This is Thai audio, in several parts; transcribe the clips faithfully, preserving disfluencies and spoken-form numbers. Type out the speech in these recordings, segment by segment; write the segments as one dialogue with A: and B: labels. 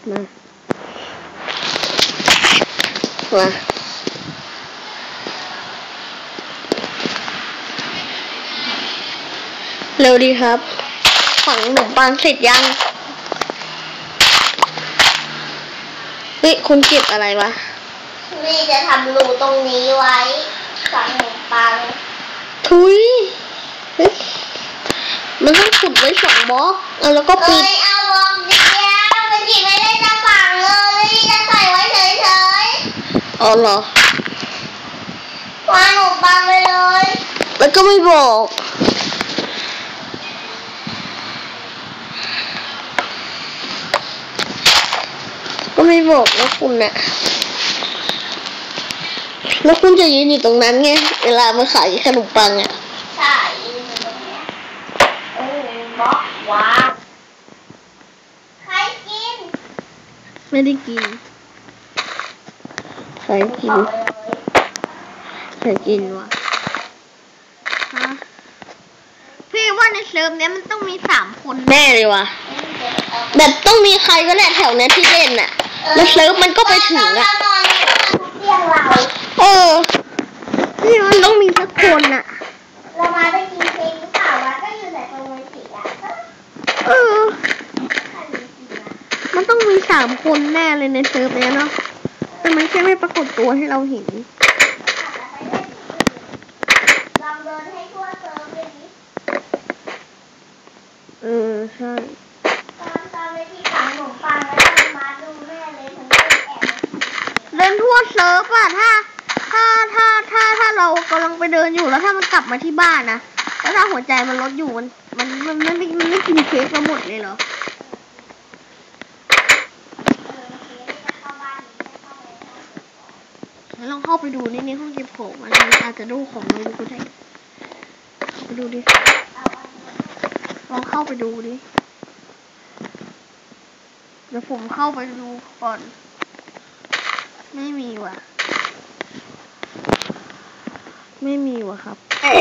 A: มามาเร็วดีครับฝังขนมปังเสร็จยังเฮ้ยคุณเก็บอะไรวะ
B: นี่จะทำรูตรงนี้ไว้ฝังขนมปัง
A: ทุยเฮ้ยมันต้องขุดไว้สองบล็อกแล้วก็ปิด
B: เอ้ยเอาบล็อกเดียวมันจีไม่ได้จะฝังเลยจะใส่ไว้เฉยๆ
A: อ๋อเหรอ
B: วางขนมปังไปเลย
A: แล้วก็ไม่บอกก็ไม่บอกแล้วคุณน่ะแล้วคุณจะยืนอยู่ตรงนั้นไงเวลามาขายขนมปังอ่ะ
B: ใช่ยืนอยู่ตรงนี้เออบล็อกวางใครกิน
A: ไม่ได้กินใครกินใครกินวะฮะพี่ว่าในเซิร์ฟเนี้ยมันต้องมีสามคนแน่เลยวะแบบต้องมีใครก็แหละแถวนี้ที่เล่นน่ะแล้วเซิร์ฟมันก็ไปถึงอ่ะเออนี่มันต้องมีสักคนน่ะ
B: เรามาได้กินเค้กหรือเปล่าวะก็อยู่แต่ตรงวันศิลป์อ่ะ
A: เออมันต้องมีสามคนแน่เลยในเซิร์ฟเนี้ยเนาะแต่มันแค่ไม่ปรากฏตัวให้เราเห็น
B: ลองเดินให้ทั่วเซิร์ฟเลยดิ
A: เออใช่
B: ตอนตอนไปที่ฝังขนมปังแล้วมาดูแม่เลยทั้งคนแอบ
A: เดินทั่วเซิร์ฟอะถ้าถ้าถ้าถ้าถ้าเรากำลังไปเดินอยู่แล้วถ้ามันกลับมาที่บ้านนะแล้วถ้าหัวใจมันลดอยู่มันมันมันมันไม่มันไม่กินเค้กเราหมดเลยเหรอลองเข้าไปดูในในห้องเก็บของมันอาจจะดูของเราก็ได้ไปดูดิลองเข้าไปดูดิเดี๋ยวผมเข้าไปดูก่อนไม่มีว่ะไม่มีว่ะครับ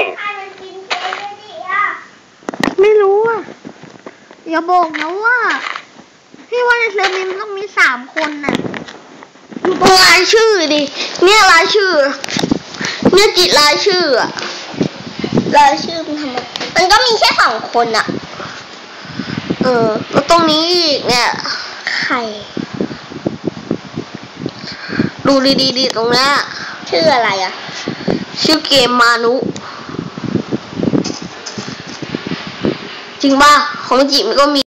A: ไม่รู้อ่ะอย่าบอกนะว่าพี่ว่าในเซิร์ฟนี้มันต้องมีสามคนน่ะดูตรงรายชื่อดิเนี่ยรายชื่อเนี่ยจิตรายชื่ออะ
B: รายชื่อมันทำไมมันก็มีแค่สองคนอะ
A: เออแล้วตรงนี้อีกเนี่ย
B: ใคร
A: ดูดีๆดิตรงนี้
B: ชื่ออะไรอะ
A: ชื่อเกมมานุจริงป่ะของจิมันก็มี